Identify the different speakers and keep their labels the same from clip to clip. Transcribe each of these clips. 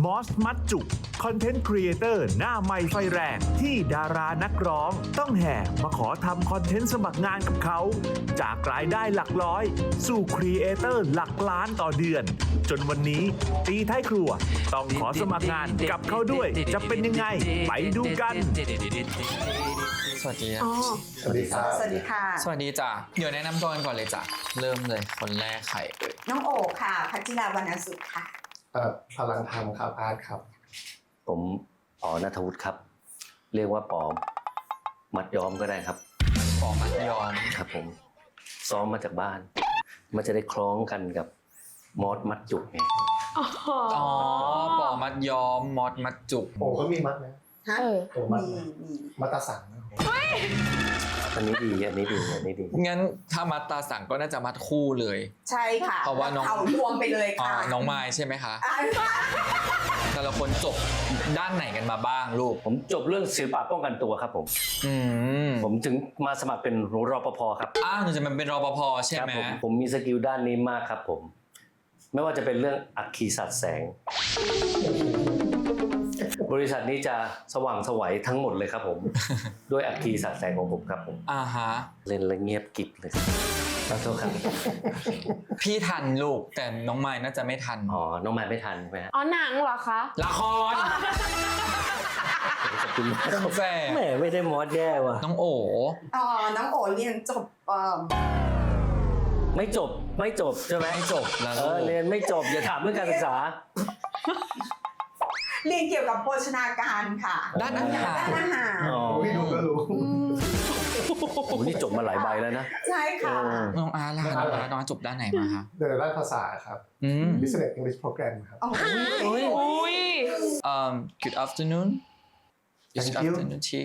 Speaker 1: มอสมัดจุกคอนเทนต์ครีเอเตอร์หน้าใหม่ไฟแรงที่ดารานักร้องต้องแห่มาขอทำคอนเทนต์สมัครงานกับเขาจากรายได้หลักร้อยสู่ครีเอเตอร์หลักล้านต่อเดือนจนวันนี้ตีท้ายครัวต้องขอสมัครงานกับเขาด้วยจะเป็นยังไงไปดูกัน
Speaker 2: สวัสดี
Speaker 3: สวัสดีครับ
Speaker 4: สวัสดีค่ะ
Speaker 2: สวัสดีจ้ะเดี๋ยวแนะนำตัวกันก่อนเลยจ้ะเริ่มเลยคนแรกใครเอ่ย
Speaker 4: น้องโอค่ะพัชราวรรณสุขค่ะ
Speaker 3: พลังธรรมครับอาร์ตครับ
Speaker 5: ผมป๋อณัฐวุฒิครับเรียกว่าป๋อมัดย้อมก็ได้ครับ
Speaker 2: ปอมัดยอม
Speaker 5: ครับผมซ้อมมาจากบ้าน มันจะได้คล้องกันกับมอสมัดจุกไง
Speaker 2: อ๋อปอมัดยอมมอดมัดจุก
Speaker 3: โอ้ก็มีมัดไหม
Speaker 4: ฮะ
Speaker 3: โอ้มัด
Speaker 4: มี
Speaker 3: มัดตาสังนะ
Speaker 5: อันนี้ดีอันนี้ดีอันนี้ดี
Speaker 2: งั้นถ้ามัดตาสั่งก็น่าจะมัดคู่เลย
Speaker 4: ใช่ค่ะ
Speaker 2: เพราะว่าน้อง
Speaker 4: เขารวมไปเลยค่ะ
Speaker 2: น้องไม้ใช่ไหมคะ
Speaker 4: อ่า
Speaker 2: แต่ละคนจบด้านไหนกันมาบ้างลูก
Speaker 5: ผมจบเรื่องศิลปะป้องกันตัวครับผม
Speaker 2: อืม
Speaker 5: ผมถึงมาสมัครเป็นรปภครับ
Speaker 2: หนูจะมันเป็นรปภใช่
Speaker 5: ครับ
Speaker 2: ไหม
Speaker 5: ผมมีสกิลด้านนี้มากครับผม ไม่ว่าจะเป็นเรื่องอัคคีสัตว์แสง บริษัทนี้จะสว่างไสวทั้งหมดเลยครับผม ด้วยอัคคีสัตว์แสงของผมครับผม
Speaker 2: ฮะ
Speaker 5: เล่นแล้วเงียบกริบเลยขอโทษครับ
Speaker 2: พี่ทันลูกแต่น้องไม้น่าจะไม่ทัน
Speaker 5: อ๋อน้องไม้ไม่ทันใช่ไหมฮะ
Speaker 6: อ๋อหนังเหรอคะ
Speaker 2: ละคร
Speaker 5: ขอบคุณมาก
Speaker 2: กาแฟ
Speaker 5: แหมไม่ได้มอสแย่ว่ะ
Speaker 2: น้องโอ
Speaker 4: น้องโอเรียนจบ
Speaker 5: ไม่จบใช่ไหม
Speaker 2: ไม่จบแล้ว
Speaker 5: เรียนไม่จบอย่าถามเรื่องการศึกษา
Speaker 4: เรียนเกี่ยวกับโภชนาการค่ะ
Speaker 2: ด้านอาหาร
Speaker 4: ด้านอาหาร
Speaker 5: อ๋อ
Speaker 3: พี่ดูก็รู้
Speaker 5: โอ้นี่จบมาหลายใบแล้วนะ
Speaker 4: ใช่ค่ะ
Speaker 2: น้องอาร์ล่ะน้องอาร์จบด้านไหนมาคะ
Speaker 3: เดินด้านภาษาครับ Business English Program ครับ
Speaker 6: อุ้ย
Speaker 2: Good afternoon Good
Speaker 3: Thank you
Speaker 2: afternoon Chi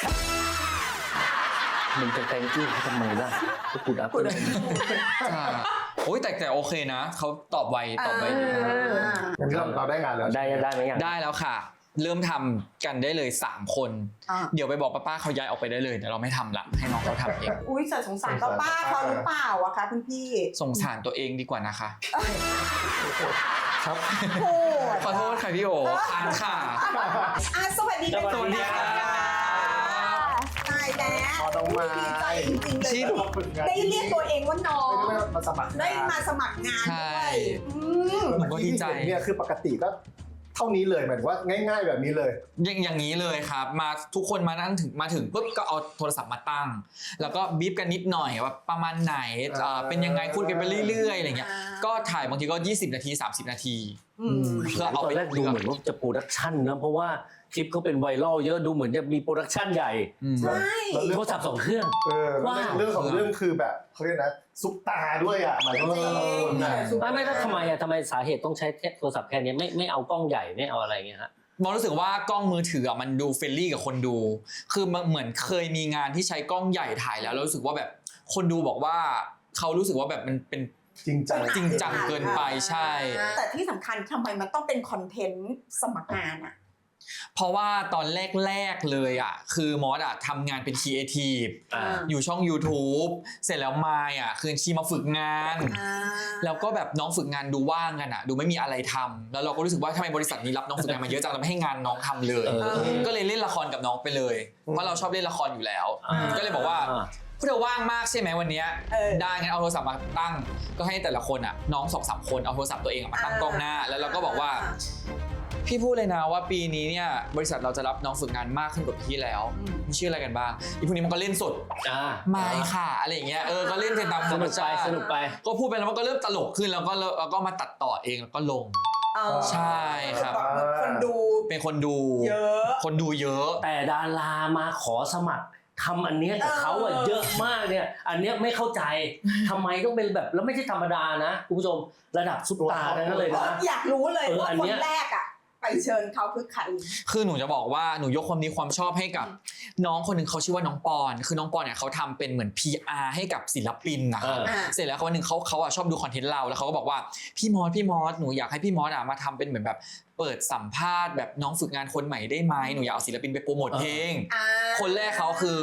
Speaker 5: มึงจะแต่งชื่อเขาทำไมล่ะก็พูดอัพเลย
Speaker 2: โอ้ยแต่โอเคนะเขาตอบไวดี
Speaker 3: งั้นเราได้งานแล้ว
Speaker 5: ได้ไหมยัง
Speaker 2: ได้แล้วค่ะ เริ่มทำกันได้เลย3คน เดี๋ยวไปบอกป้าเขาย้ายออกไปได้เลยเดี๋ยวเราไม่ทำละให้น้องเขาทำเอง
Speaker 4: อุ้ยสงสารป้าเขาหรือเปล่าอะคะคุณพี่
Speaker 2: สงสารตัวเองดีกว่านะคะ
Speaker 3: ครับ
Speaker 4: โอ้
Speaker 2: ขอโทษค่ะพี่โออ่านค่ะ
Speaker 4: สวัสดีค่ะ
Speaker 2: สวัสดีค่ะ
Speaker 4: ตายแล้ว
Speaker 3: ต้องมา
Speaker 4: ดีใจจริงๆเลยได้เรียกตัวเองว่าน้อง
Speaker 3: ไม่ได้มาสมัคร
Speaker 4: ได้มาสมัครงานด้วย
Speaker 2: หนูก็ดีใจ
Speaker 3: เนี่ยคือปกติก็เท่านี้เลยเหมือนว่าง่ายๆแบบนี้เลย
Speaker 2: อย่างนี้เลยครับมาทุกคนมาถึงปุ๊บก็เอาโทรศัพท์มาตั้ง แล้วก็บีบกันนิดหน่อยว่าประมาณไหนเป็นยังไงพูดกันไปเรื่อยๆอะไรเงี้ยก็ถ่ายบางทีก็20นาที30นาทีเพื่อเอา
Speaker 5: ตอ
Speaker 2: ไป
Speaker 5: นแรกดูเหมือนว่าจะโปรดักชั่นนะเพราะว่าคลิปเขาเป็นไวรัลเยอะดูเหมือนจะมีโปรดักชั่นใหญ่
Speaker 4: ใช่
Speaker 5: โทรศัพท์2เครื่อง
Speaker 3: เรื่องของเรื่องคือแบบเขาเรียกนะซุปตาด้วยอ่ะหมายความว่า
Speaker 5: ไม่แล้วทำไมสาเหตุต้องใช้โทรศัพท์แค่นี้ไม่เอากล้องใหญ่ไม่เอาอะไรเงี้ยฮะ
Speaker 2: มองรู้สึกว่ากล้องมือถือมันดูเฟรนลี่กับคนดูคือเหมือนเคยมีงานที่ใช้กล้องใหญ่ถ่ายแล้วรู้สึกว่าแบบคนดูบอกว่าเขารู้สึกว่าแบบมันเป็น
Speaker 3: จริงจัง
Speaker 2: เกินไปใช่
Speaker 4: แต่ที่สำคัญทำไมมันต้องเป็นคอนเทนต์สมัครงานอะ
Speaker 2: เพราะว่าตอนแรกเลยอ่ะคือมอสอ่ะทำงานเป็นครีเอทีฟอยู่ช่อง YouTube เสร็จแล้วมายอ่ะคือชีมาฝึกงาน แล้วก็แบบน้องฝึกงานดูว่างกันอ่ะดูไม่มีอะไรทำแล้วเราก็รู้สึกว่าทำไมบริษัทนี้รับน้องฝึกงานมาเยอะจังเราไม่ให้งานน้องทำเลยก็เลยเล่นละครกับน้องไปเลยเพราะเราชอบเล่นละครอยู่แล้วก็เลยบอกว่าพวกเธอว่างมากใช่ไหมวันนี้ได้งั้นเอาโทรศัพท์มาตั้งก็ให้แต่ละคนอ่ะน้อง 2-3 คนเอาโทรศัพท์ตัวเองมาตั้งกล้องหน้าแล้วเราก็บอกว่าพี่พูดเลยนะว่าปีนี้เนี่ยบริษัทเราจะรับน้องฝึกงานมากขึ้นกว่าปีที่แล้วมีชื่ออะไรกันบ้างอีพวกนี้มันก็เล่นสดไม่ค่ะอะไรอย่างเงี้ยก็เล่นเป็นตามธรรมชาติ
Speaker 5: สนุกไป
Speaker 2: ก็พูดไปแล้วมันก็เริ่มตลกขึ้นแล้วก็มาตัดต่อเองแล้วก็ลงใช่ครับ
Speaker 4: คนดู
Speaker 2: เป็นคนดู
Speaker 4: เยอะ
Speaker 2: คนดูเยอะ
Speaker 5: แต่ดารามาขอสมัครทำอันเนี้ยกับเขาอะเยอะมากเนี่ยอันเนี้ยไม่เข้าใจทำไมต้องเป็นแบบแล้วไม่ใช่ธรรมดานะคุณผู้ชมระดับซุปตาร์นั่นเลยนะ
Speaker 4: อยากรู้เลยว่าคนแรกอะไปเชิญเขาคือใคร
Speaker 2: คือหนูจะบอกว่าหนูยกความดีความชอบให้กับน้องคนหนึ่งเขาชื่อว่าน้องปอนคือน้องปอนเนี่ยเขาทำเป็นเหมือน PR ให้กับศิลปินนะครับเสร็จแล้ววันหนึ่งเขาชอบดูคอนเทนต์เราแล้วเขาก็บอกว่าพี่มอสหนูอยากให้พี่มอสมาทำเป็นเหมือนแบบเปิดสัมภาษณ์แบบน้องฝึกงานคนใหม่ได้ไหมหนูอยากเอาศิลปินไปโปรโมทเพลงคนแรกเขาคือ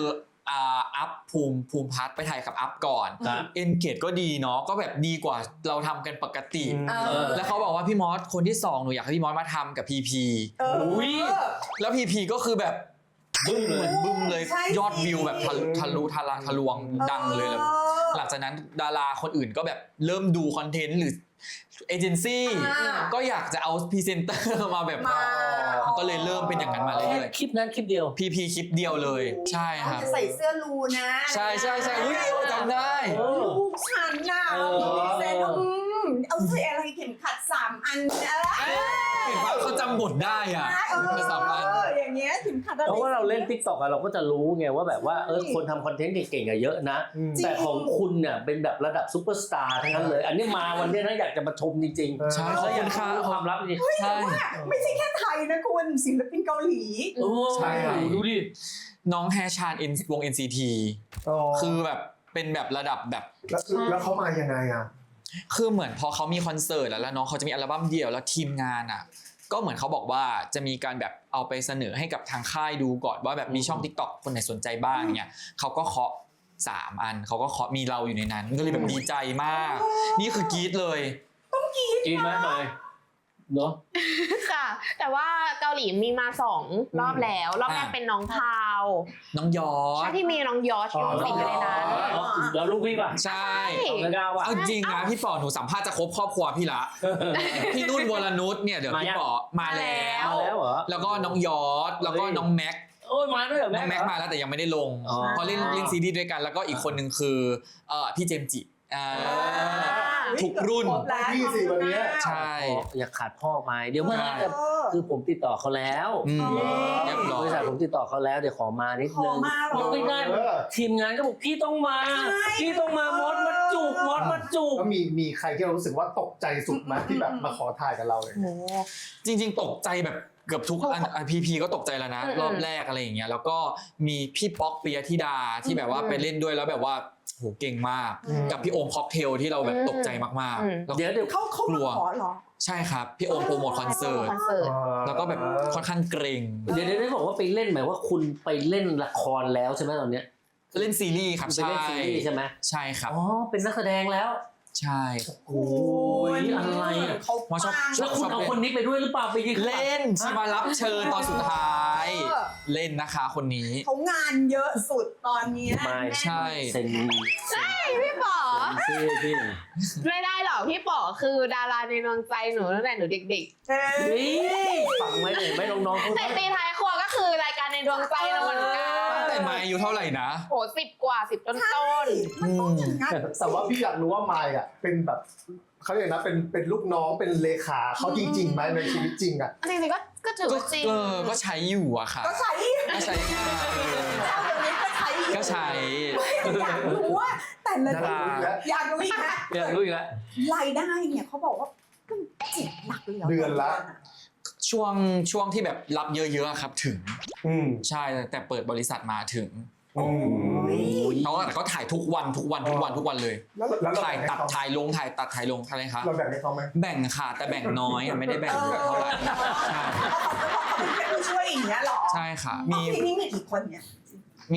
Speaker 2: อัพภูมิพัฒน์ไปถ่ายกับอัพก่อน
Speaker 5: ครับ
Speaker 2: เอนเกจก็ดีเนาะก็แบบดีกว่าเราทำกันปกติ แล้วเขาบอกว่าพี่มอสคนที่2หนูอยากให้พี่มอสมาทำกับพีพี
Speaker 5: อุ้ย
Speaker 2: แล้วพีพีก็คือแบบบึ้มเลยบึ้มเลย
Speaker 4: ใช่
Speaker 2: ยอดวิวแบบทะลวงดังเลยแล้วหลังจากนั้นดาราคนอื่นก็แบบเริ่มดูคอนเทนต์หรือเอเจนซี่ก็อยากจะเอาพรีเซนเตอร์มาแบบมันก็เลยเริ่มเป็นอย่างนั้นมาเรื่อย
Speaker 5: คลิปนั้นคลิปเดียว
Speaker 2: ๆพีพีคลิปเดียวเลยใช่ครับ
Speaker 4: จะใส่เสื้อรูนะ
Speaker 2: ใช่อุ๊ยจำได้
Speaker 4: ลูกฉันน่ะเรามีเซนเอาเสื้ออะไรเข็มขัด3 อันอะไร
Speaker 2: เห็นว่าเขาจำบทได้อ่ะเป็นสามอัน
Speaker 4: อย่างเงี้ยเข็มขัดอะไร
Speaker 5: เพราะว่าเราเล่น TikTok อะเราก็จะรู้ไงว่าแบบว่าคนทำคอนเทนต์เก่งๆอะเยอะนะ แต่ของคุณเนี่ยเป็นแบบระดับซูเปอร์สตาร์ทั้งนั้นเลย อันนี้มาวันนี้นะอยากจะมาชมจริงๆ
Speaker 2: ใช่
Speaker 5: แล้วอยาก
Speaker 2: ขอบคุณค่ะ
Speaker 5: รู้ความลับจริง
Speaker 2: ใช่
Speaker 4: ไม่ใช่แค่ไทยนะคุณศิลปินเกาหลี
Speaker 5: โอ้
Speaker 2: ใช่ครับ
Speaker 5: ดูดิ
Speaker 2: น้องแฮชานวง NCT คือแบบเป็นแบบระดับแบบ
Speaker 3: แล้วเขามายังไงอ่ะ
Speaker 2: คือเหมือนพอเขามีคอนเสิร์ตแล้วน้องเขาจะมีอัลบั้มเดี่ยวแล้วทีมงานอ่ะก็เหมือนเขาบอกว่าจะมีการแบบเอาไปเสนอให้กับทางค่ายดูก่อนว่าแบบมีช่อง TikTok คนไหนสนใจบ้างเนี่ยเขาก็เคาะ3 อันเขาก็เคาะมีเราอยู่ในนั้นก็เลยแบบดีใจมาก นี่คือกรี๊ดเลย
Speaker 5: กินไหมหน่อยเนาะ
Speaker 6: ค่ะ แต่ว่าเกาหลีมีมา2 รอบแล้ว รอบแรกเป็นน้องพาว
Speaker 2: น้องยอ
Speaker 6: ใช่
Speaker 2: ด
Speaker 6: ที่มีน้องยอชอยู่สิงอยู่ในนั้น
Speaker 5: แล้วลูกพี่ป่ะ
Speaker 2: ใช่
Speaker 5: แล้วก้าวป่ะ
Speaker 2: เอาจริงนะพี่ป๋อหนูสัมภาษณ์จะครบครอบครัวพี่ละพี่นุ่นวรนุชเนี่ยเดี๋ยวพี่ป๋อมาแล้ว
Speaker 5: มาแล้วเหรอ
Speaker 2: แล้วก็น้องยอดแล้วก็น้องแม็ก
Speaker 5: โอ้ยมาด้วยเหรอ
Speaker 2: น้องแม็กมาแล้วแต่ยังไม่ได้ลง
Speaker 5: อ๋อ
Speaker 2: เพราะเล่นซีรีส์ด้วยกันแล้วก็อีกคนนึงคือพี่เจมส์จิทุกรุ่น
Speaker 3: พี่สิวันเนี้ย
Speaker 2: ใช่
Speaker 5: อย่าขาดพ่อไปเดี๋ยวเมื่อไหร่คือผมติดต่อเขาแล้ว
Speaker 2: เรียบร้อบ ย
Speaker 5: ริษัทผมติดต่อเขาแล้วเดี๋ยวขอมานิด
Speaker 4: ขอ
Speaker 5: นึง
Speaker 4: มาหรอ
Speaker 5: ไม่ได้ทีมงานก็บอกพี่ต้องมาพี่ต้องมามดมาจูบมดมาจูบ
Speaker 3: ก็มีใครที่เรารู้สึกว่าตกใจสุดไหมที่แบบมาขอถ่ายกับเราเลย
Speaker 2: จริงๆตกใจแบบเกือบทุกอันพีก็ตกใจแล้วนะ รอบแรกอะไรอย่างเงี้ยแล้วก็มีพี่ป๊อกปิยธิดาที่แบบว่าไปเล่นด้วยแล้วแบบว่าโหเก่งมากกับพี่โอมค็อกเทลที่เราแบบตกใจมากๆแล้ว
Speaker 5: เดี๋ยว
Speaker 4: เขา
Speaker 2: กลั
Speaker 4: มาว ขอเหรอ
Speaker 2: ใช่ครับพี่โอมโปรโมทคอนเสิร์ต
Speaker 6: คอนเสิร์ต
Speaker 2: แล้วก็แบบค่อนข้างเกรง
Speaker 5: เดี๋ยวได้บอกว่าไปเล่นหมายว่าคุณไปเล่นละครแล้วใช่ไหมตอนเนี้ย
Speaker 2: เล่นซีรีส์ครับ
Speaker 5: ไปเล่นซีรีส์ใช่ไหม
Speaker 2: ใช่ครับ
Speaker 5: อ๋อเป็นนักแสดงแล้ว
Speaker 2: ใช่
Speaker 5: โอ้ยอะไรอ่ะ
Speaker 4: เขา
Speaker 2: มาชอบ
Speaker 5: แล้วคุณเอาคนนี้ไปด้วยหรือเปล่าไปยืน
Speaker 2: เล่นชีมารับเชิญตอนสุดท้าย เล่นนะคะคนนี้
Speaker 4: เขางานเยอะสุดตอนเนี้ย
Speaker 5: ไม่
Speaker 2: ใช่
Speaker 5: เซ็น
Speaker 6: พี่ป๋อ
Speaker 5: ชื่อพี่
Speaker 6: ไม่ได้หรอกพี่ป๋อคือดาราในดวงใจหนูตั้งแต่หนูเด็ก
Speaker 5: นี่ฟังไว้เลยไหมน้องๆเขา
Speaker 6: ๆแต่ตีท้ายครัวก็คือรายการในดวงใจเราเหมือนกัน
Speaker 2: แต่มาอายุเท่าไหร่นะ
Speaker 6: โห10 กว่า 10 ต้น
Speaker 4: มันต้องอย่างนั้น
Speaker 3: แต่ว่าพี่อยากรู้ว่าไมค์อ่ะเป็นแบบเขาเรียกนะเป็นลูกน้องเป็นเลขาเขาจริงๆไหมในชีวิตจริงอ่ะ
Speaker 6: ๆจริงๆก็ถือว่าจริง
Speaker 2: ก็ใช้อยู่อะค่ะ
Speaker 4: ก็ใช้
Speaker 2: ก็ใช้งาน
Speaker 4: เจ้าเดี๋ยวนี้ก็ใช้
Speaker 2: ก็ใช้
Speaker 4: อยากรู้ว่าแต่ละ
Speaker 2: ดารา
Speaker 4: อยากรู้อีกนะ
Speaker 5: อยากรู้อีกแล้ว
Speaker 4: รายได้เนี่ยเขาบอกว่าก็10 หลักเลยหร
Speaker 3: เดือนละ
Speaker 2: ช่วงที่แบบรับเยอะๆอะครับถึง
Speaker 3: อืม
Speaker 2: ใช่แต่เปิดบริษัทมาถึง
Speaker 3: อืม
Speaker 2: แต่ก็ถ่ายทุกวันเลย
Speaker 3: แล้วเรา
Speaker 2: ถ่าย
Speaker 3: แบ่งให้
Speaker 2: ตัด
Speaker 3: เขา
Speaker 2: ถ่ายลงถ่ายตัดถ่ายลงอะไรคะ
Speaker 3: เราแบ่งให้เขาไหม
Speaker 2: แบ่งค่ะแต่แบ่งน้อยอะไม่ได้แบ่งเยอะเท่าไหร่ใช่
Speaker 4: เขาเป็นผู้ช่วยอย่างเงี้ยหรอ
Speaker 2: ใช่ค่ะ
Speaker 4: มีนี่มีกี่คนเนี่ย
Speaker 2: มี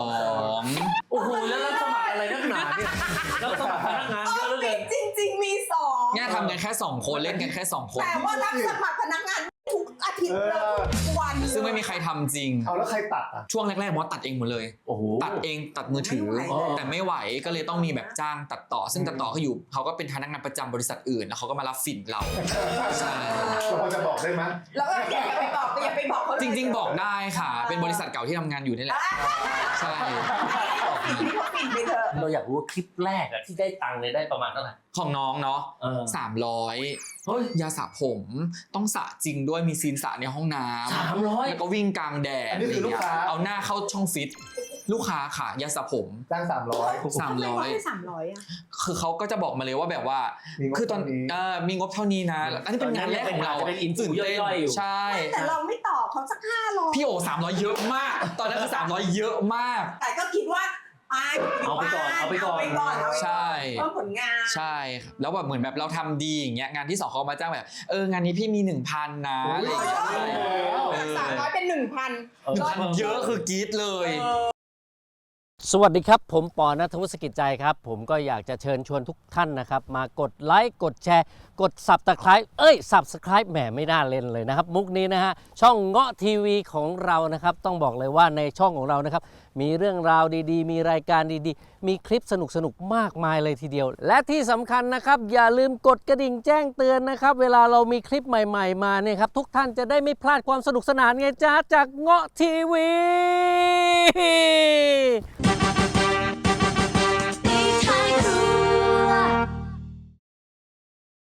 Speaker 2: 2
Speaker 5: โอ้โหแล้วรับสมัครอะไรนักหนาเนี่ยรับสมัครพนักงานเยอะเหลือเกิน
Speaker 4: จริงมี2
Speaker 2: เนี่ยทำกันแค่2 คนเล่นกันแค่2 คน
Speaker 4: แต่ว่ารับสมัครพนักงานทุกอาทิตย์เลยทุกวัน
Speaker 2: ซึ่งไม่มีใครทำจริง
Speaker 3: เอาแล้วใครตัดอ่ะ
Speaker 2: ช่วงแรกๆมอสตัดเองหมดเลย
Speaker 5: โอ้โห
Speaker 2: ตัดเองตัดมือถือ แต่ไม่ไหวก็เลยต้องมีแบบจ้างตัดต่อ ซึ่งตัดต่อเขาอยู่เขาก็เป็นพนักงานประจำบริษัทอื่นแล้วเขาก็มารับฝิ่นเราใช่
Speaker 3: เราพอจะบอกได้ไหม
Speaker 4: แล้วก็อย่าไปบอกเขา
Speaker 2: จริงๆบอกได้ค่ะ เป็นบริษัทเก่าที่ทำงานอยู่นี่แหละใช่
Speaker 4: พี่เขาปิดไปเถอะ
Speaker 5: เราอยากรู้ว่าคลิปแรกอะที่ได้ตังค์เนี่ยได้ประมาณเท่าไหร่
Speaker 2: ของน้องเนาะ
Speaker 5: เฮ้ย
Speaker 2: 300ยาสระผมต้องสระจริงด้วยมีซีนสระในห้องน้ำ
Speaker 5: 300
Speaker 2: แล้วก็วิ่งกลางแดด
Speaker 3: อันนี้คือลูกค้า
Speaker 2: เอาหน้าเข้าช่องฟิตลูกค้าค่ะยาสระผม
Speaker 3: จ้าง300
Speaker 4: ทำไมเขาให้300อ่ะ
Speaker 2: คือเขาก็จะบอกมาเลยว่าแบบว่า
Speaker 3: มีงบ
Speaker 2: คือตอน
Speaker 3: เท่านี้
Speaker 2: มีงบเท่านี้นะอันนี้เป็นงานแรกของเรา
Speaker 5: จะเป็นอินฟู
Speaker 2: ตื่นเต้น
Speaker 5: ย่อยๆอยู่
Speaker 2: ใช่
Speaker 4: แต่เราไม่ต่อเขาสัก500
Speaker 2: พี่โอ300เยอะมาก ตอนนั้นคือ300เยอะมาก
Speaker 4: แต่ก็คิดว่า
Speaker 5: เอาไปก่อน
Speaker 2: ใช่
Speaker 4: เพิ่มผลงาน
Speaker 2: ใช่ครับแล้วแบบเหมือนแบบเราทำดีอย่างเงี้ยงานที่2เขามาจ้างแบบงานนี้พี่มี 1,000 นะอะไรอย่างเงี้ย
Speaker 4: จาก300เป็น 1,000
Speaker 2: 1,000เยอะคือกรี๊ดเลย
Speaker 5: สวัสดีครับผมปอณัฐวุฒิ สกิจใจครับผมก็อยากจะเชิญชวนทุกท่านนะครับมากดไลค์กดแชร์กด Subscribe แหมไม่น่าเล่นเลยนะครับมุกนี้นะฮะช่องเงาะทีวีของเรานะครับต้องบอกเลยว่าในช่องของเรานะครับมีเรื่องราวดีๆมีรายการดีๆมีคลิปสนุกๆมากมายเลยทีเดียวและที่สำคัญนะครับอย่าลืมกดกระดิ่งแจ้งเตือนนะครับเวลาเรามีคลิปใหม่ๆมาเนี่ยครับทุกท่านจะได้ไม่พลาดความสนุกสนานไงจ้าจากเงาะทีวี